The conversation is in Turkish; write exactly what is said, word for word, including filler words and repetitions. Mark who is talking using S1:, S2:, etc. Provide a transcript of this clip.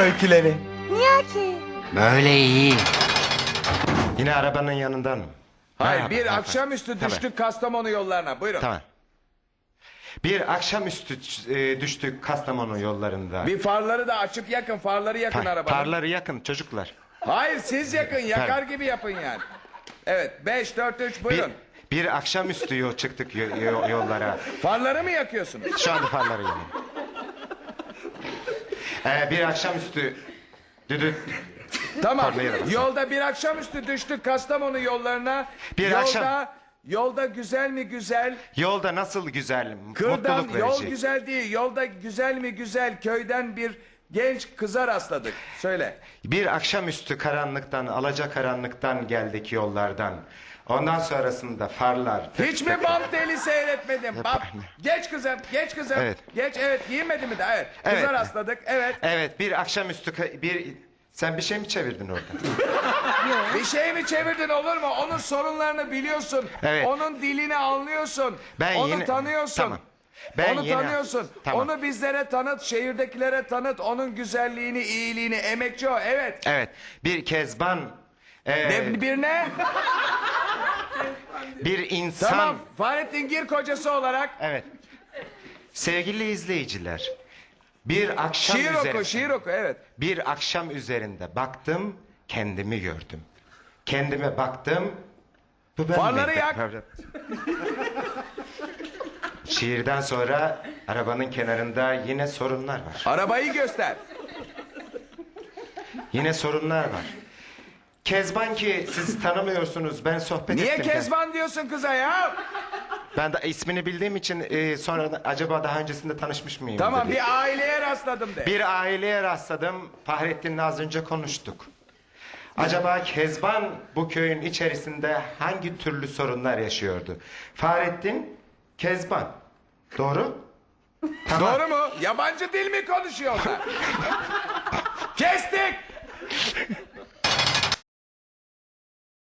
S1: öyküleri.
S2: Niye ki?
S3: Böyle iyi.
S1: Yine arabanın yanından mı?
S4: Hayır,
S1: Merhaba,
S4: bir
S1: merhaba.
S4: akşamüstü
S1: Tabii.
S4: düştük Kastamonu yollarına. Buyurun.
S1: Tamam. Bir akşamüstü e, düştük Kastamonu yollarında.
S4: Bir farları da açıp yakın, farları yakın
S1: Pa-
S4: arabanın.
S1: Parları yakın çocuklar.
S4: Hayır, siz yakın, yakar
S1: Pardon.
S4: gibi yapın yani. Evet, beş, dört, üç,
S1: Bir,
S4: buyurun.
S1: bir akşamüstü yol çıktık yo- yo- yollara.
S4: Farları mı yakıyorsunuz?
S1: Şu anda farları yanıyor. Ee, bir akşamüstü düdü.
S4: Tamam,
S1: Farları yakın.
S4: yolda bir akşamüstü düştük Kastamonu yollarına.
S1: Bir
S4: yolda,
S1: akşam-
S4: Yolda güzel mi güzel?
S1: Yolda nasıl güzel,
S4: Kırdan
S1: mutluluk
S4: yol
S1: verici.
S4: güzel değil. Yolda güzel mi güzel köyden bir genç kıza rastladık. Söyle.
S1: Bir akşamüstü karanlıktan, alacakaranlıktan geldik yollardan. Ondan sonrasında farlar.
S4: Hiç mi bant deli seyretmedin? Bak, geç kızım, geç kızım.
S1: Evet.
S4: Geç, evet, giyinmedi mi de? Evet. Kıza
S1: Evet.
S4: rastladık, evet.
S1: Evet, bir akşamüstü ka- bir sen bir şey mi çevirdin orada?
S4: Bir şey mi çevirdin olur mu? Onun sorunlarını biliyorsun.
S1: Evet.
S4: Onun dilini anlıyorsun.
S1: Ben
S4: Onu
S1: yine-
S4: tanıyorsun.
S1: Tamam. Ben
S4: Onu
S1: yine-
S4: tanıyorsun.
S1: Tamam.
S4: Onu bizlere tanıt, şehirdekilere tanıt. Onun güzelliğini, iyiliğini, emekçi o. Evet.
S1: Evet, bir kezban, e,
S4: Ne, bir ne?
S1: bir insan.
S4: Tamam. Fahrettin Gir kocası olarak
S1: Evet. Sevgili izleyiciler, bir akşam
S4: şiir
S1: üzerinde,
S4: oku, şiir oku. Evet.
S1: bir akşam üzerinde baktım, kendimi gördüm. Kendime baktım. Bu ben
S4: Farları
S1: miyim?
S4: yak.
S1: Şiirden sonra arabanın kenarında yine sorunlar var.
S4: Arabayı göster.
S1: Yine sorunlar var. Kezban ki siz tanımıyorsunuz, ben sohbet
S4: Niye
S1: ettim.
S4: Kezban diyorsun kıza ya?
S1: Ben de ismini bildiğim için e, sonra acaba daha öncesinde tanışmış mıyım?
S4: Tamam,
S1: dedi.
S4: bir aileye rastladım de.
S1: Bir aileye rastladım. Fahrettin'le az önce konuştuk. Acaba Kezban bu köyün içerisinde hangi türlü sorunlar yaşıyordu? Fahrettin, Kezban. Doğru? Tamam.
S4: Doğru mu? Yabancı dil mi konuşuyorlar?